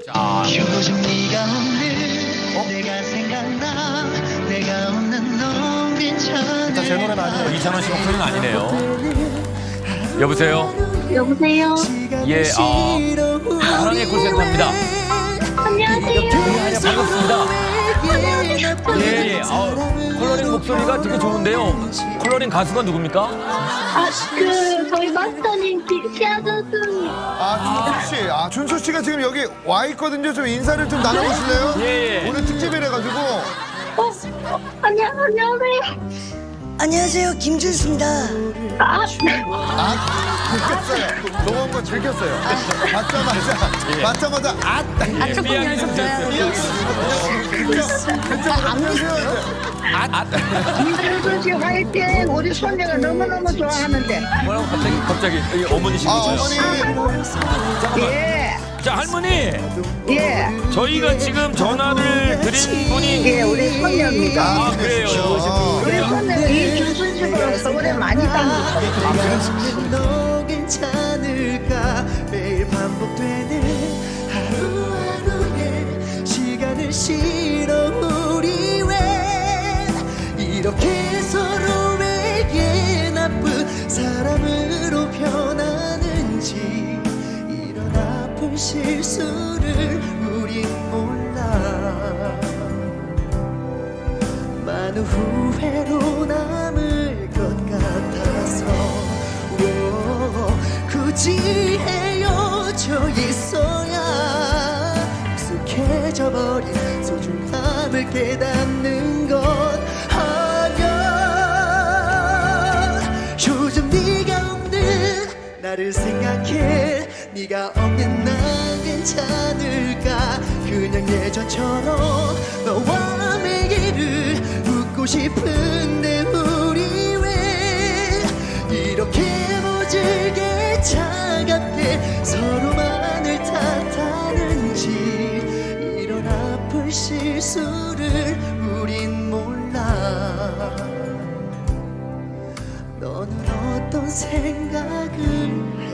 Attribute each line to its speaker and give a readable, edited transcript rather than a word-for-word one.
Speaker 1: 요즘 네가 없는 내가 생각나 내가 없는 넌 괜찮아.
Speaker 2: 제 노래는 아니에요.
Speaker 3: 이찬원 씨 목소리는 아니네요. 여보세요?
Speaker 4: 여보세요?
Speaker 3: 예, 사랑의 콜센터입니다.
Speaker 4: 안녕하세요.
Speaker 3: 반갑습니다. 예, 예. 컬러링 목소리가 되게 좋은데요. 컬러링 가수가 누굽니까?
Speaker 4: 저희 마스터님 시아준수.
Speaker 2: 준수 씨. 준수 씨가 지금 여기 와 있거든요. 좀 인사를 좀 나눠보실래요?
Speaker 3: 예, 예.
Speaker 2: 오늘 특집이라 가지고.
Speaker 4: 안녕하세요.
Speaker 5: 안녕하세요, 김준수입니다.
Speaker 2: 들켰어요. 너무 한번 들켰어요. 맞자마자
Speaker 5: 조금 연습해요.
Speaker 2: 안녕하세요.
Speaker 6: 김준수 씨 화이팅! 우리 손녀가 너무너무 좋아하는데.
Speaker 3: 뭐라고 갑자기 이 어머니시죠?
Speaker 2: 어머니.
Speaker 6: 예,
Speaker 3: 자, 할머니.
Speaker 6: 예,
Speaker 3: 저희가 지금 전화를 드린 분이
Speaker 6: 예, 우리 손녀입니다.
Speaker 3: 그래요.
Speaker 6: 우리 손녀가 이준수 씨보다 서울에 많이 다녔어요.
Speaker 1: 너 괜찮을까 매일 반복되는 하루하루의 시간을 실어 우리 왜 이렇게 서로에게 나쁜 사람으로 변하는지 이런 아픈 실수를 우린 몰라 많은 후회로 남을 것 같아서 굳이 헤어져 있어야 익숙해져 버린 소중함을 깨닫는 것 아냐 요즘 네가 없는 나를 생각해 네가 없는 난 괜찮을까 그냥 예전처럼 너와 매일을 웃고 싶은데 우리 왜 이렇게 모질게 차갑게 서로만을 탓하는지 이런 아픈 실수를 우린 몰라 너는 어떤 생각을